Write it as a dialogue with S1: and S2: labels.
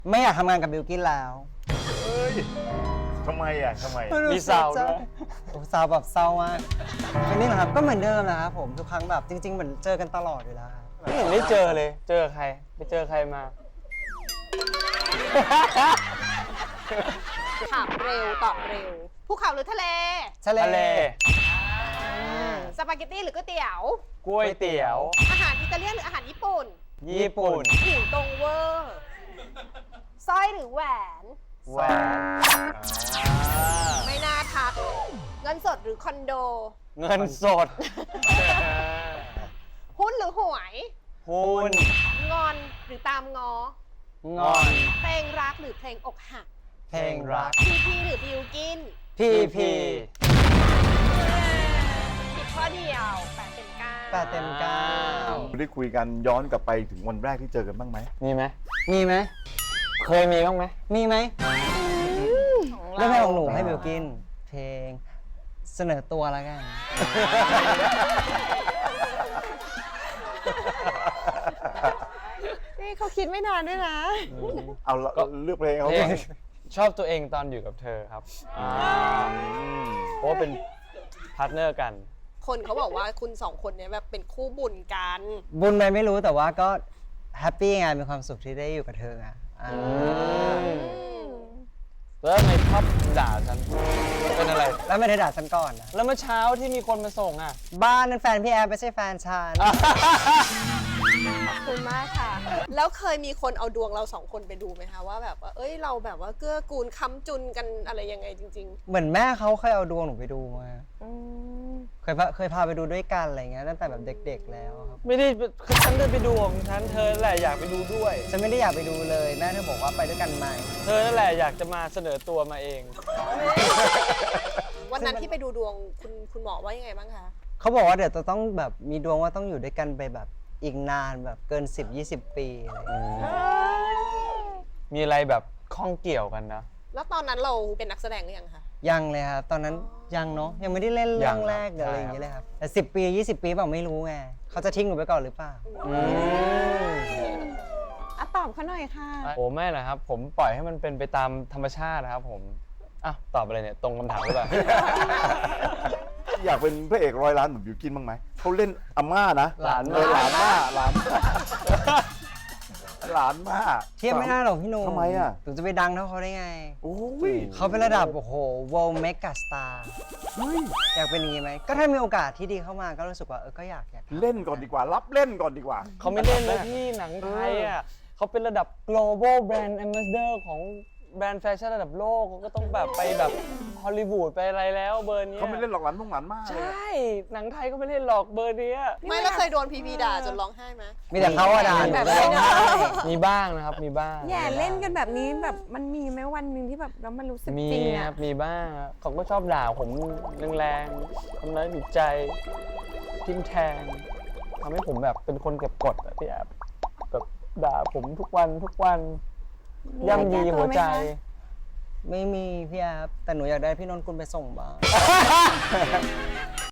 S1: ไม่อยากทำงานกับบิลกิ้นแล้ว
S2: เฮ้ยทำไมอ่ะ
S3: มีสาวด้วย
S1: โอ้สาวแบบเศร้ามากเป็นนี่เหรอครับก็เหมือนเดิมนะครับผมทุกครั้งแบบจริงๆเหมือนเจอกันตลอดอยู่แล้วครับ
S3: ไม่เห็นได้เจอเลย เจอใครไปเจอใครมา
S4: ถามเร็วตอบเร็วภูเขาหรือทะเล
S1: ทะเล
S3: ทะเล
S4: สปาเกตตี้หรือก๋วยเตี๋ยว
S3: กล้วยเตี๋ยว
S4: อาหารอิตาเลียนหรืออาหารญี่ปุ่น
S3: ญี่ปุ่น
S4: ผิวตรงเวอร์สร้อยหรือแหวน
S3: แหวน
S4: ไม่น่าทัก เงินสดหรือคอนโด
S3: เงินสด
S4: หุ้นหรือหวย
S3: หุ้น
S4: งอนหรือตามงอ
S3: งอน
S4: เพลงรักหรือเพลงอกหัก
S1: เพลงรัก
S4: พีพีหรือบิวกิน
S1: พีพี
S4: ผิดข้อเดียว8 เต็ม 9
S1: 8 เต็ม 9
S2: ได้คุยกันย้อนกลับไปถึงวันแรกที่เจอกันบ้างไหม
S3: มีไหม
S1: มีไหม
S3: เคยมีบ้างไหม
S1: มีไหมเรื่องเพลงของหนูให้บิลกิ้นเพลงเสนอตัวแล้วกัน
S4: นี่เขาคิดไม่นานด้วยนะ
S2: เอาละเลือกเพลงเขา
S3: เพล
S2: ก่อง น
S3: ชอบตัวเองตอนอยู่กับเธอครับเพราะว่าเป็นพาร์ทเนอร์กัน
S4: คนเขาบอกว่าคุณสองคนเนี้ยแบบเป็นคู่บุญกัน
S1: บุญไปไม่รู้แต่ว่าก็แฮปปี้ไงมีความสุขที่ได้อยู่กับเธอไง
S3: แล้วทำไมชอบด่าฉันเป็นอะไร
S1: แล้วไม่ได้ด่าฉันก่อนนะ
S3: แล้วเมื่อเช้าที่มีคนมาส่งอ่ะ
S1: บ้านนั้นแฟนพี่แอร์ไม่ใช่แฟนฉัน
S4: ขอบคุณมากค่ะ แล้วเคยมีคนเอาดวงเราสองคนไปดูไหมคะว่าแบบว่าเอ้ยเราแบบว่าเกื้อกูลค้ำจุนกันอะไรยังไงจริง
S1: เหมือนแม่เขาเคยเอาดวงหนูไปดูมาเคยพาไปดูด้วยกันอะไรเงี้ยตั้งแต่แบบเด็กๆแล้วครับ
S3: ไม่ได้ฉันเดินไปดูของฉันเธอแหละอยากไปดูด้วย
S1: ฉันไม่ได้อยากไปดูเลยแม่เธอบอกว่าไปด้วยกันไหม
S3: เธอนั่นแหละอยากจะมาเสนอตัวมาเอง
S4: ๆ วันนั้นที่ไปดูดวงคุณหมอว่ายังไงบ้างคะ
S1: เขาบอกว่าเดี๋ยวจะต้องแบบมีดวงว่าต้องอยู่ด้วยกันไปแบบอีกนานแบบเกิน 10-20 ปีอะไรเงี้ย
S3: มีอะไรแบบข้องเกี่ยวกันนะ
S4: แล้วตอนนั้นเราเป็นนักแสดงหรือยังคะ
S1: ยังเลยครับตอนนั้นยังเนาะยังไม่ได้เล่นเรื่องแรก
S3: ยังครับ
S1: อะไรอย่างเงี้ยเลยครับแต่10 ปี20 ปีเปล่าไม่รู้ไงเขาจะทิ้งหนูไปก่อนหรือเปล่า
S4: ตอบเขาหน่อยค่ะ
S3: โอ้ไม่นะครับ ผมปล่อยให้มันเป็นไปตามธรรมชาตินะครับผมอ่ะตอบอะไรเนี่ยตรงคำถามหรือเปล่า
S2: อยากเป็นพระเอก100 ล้านเหมือนบิวกินบ้างไหมเขาเล่นอาม่านะ
S3: หลาน
S2: หลานม่าหลานหลานม่า
S1: เทียบไม่ได้หรอกพี่หนุ่ม
S2: ทำไมอ่ะ
S1: หนูจะไปดังเท่าเขาได้ไง
S2: โอ้ย
S1: เขาเป็นระดับโอ้โห world mega star อยากเป็นอย่างนี้ไหมก็ถ้ามีโอกาสที่ดีเข้ามาก็รู้สึกว่าก็อยาก
S2: เล่นก่อนดีกว่า รับเล่นก่อนดีกว่า
S3: เขาไม่เล่นเลยพี่หนังไทยอ่ะเขาเป็นระดับ global brand ambassador ของแบรนด์แฟชั่นระดับโลกเขาก็ต้องแบบไปแบบฮอลลีวูดไปอะไรแล้วเบอร์เนี้ย
S2: เขาไม่เล่นหรอกหลานพวกหลานม่า
S3: ใช
S2: เลย
S3: ่ หนังไทยก็ไม่เล่นหรอกเบอร์เนี้ย
S4: ไม่แล้วเคยโดนพีพีด่าจนร้องไห้ไหม
S1: มีแต่เขาอะด่าหนู
S5: แบบ
S1: ก็ร้องไห้
S3: มีบ้างนะครับมีบ้าง
S5: แย่เล่นกันแบบนี้แบบมันมีไหมวันหนึ่งที่แบบแล้วมันรู้สึก
S3: มี
S5: จริง
S3: ค
S5: อะ
S3: รับมีบ้างครับเขาก็ชอบด่าผมแรงๆทำร้ายจิตใจทิ่มแทงทำให้ผมแบบเป็นคนเก็บกดอะพี่แอบแบบด่าผมทุกวันย่ำยีหัวใจ
S1: ไม่มีพี่แอฟแต่หนูอยากได้พี่นนท์กุลไปส่งบ้าง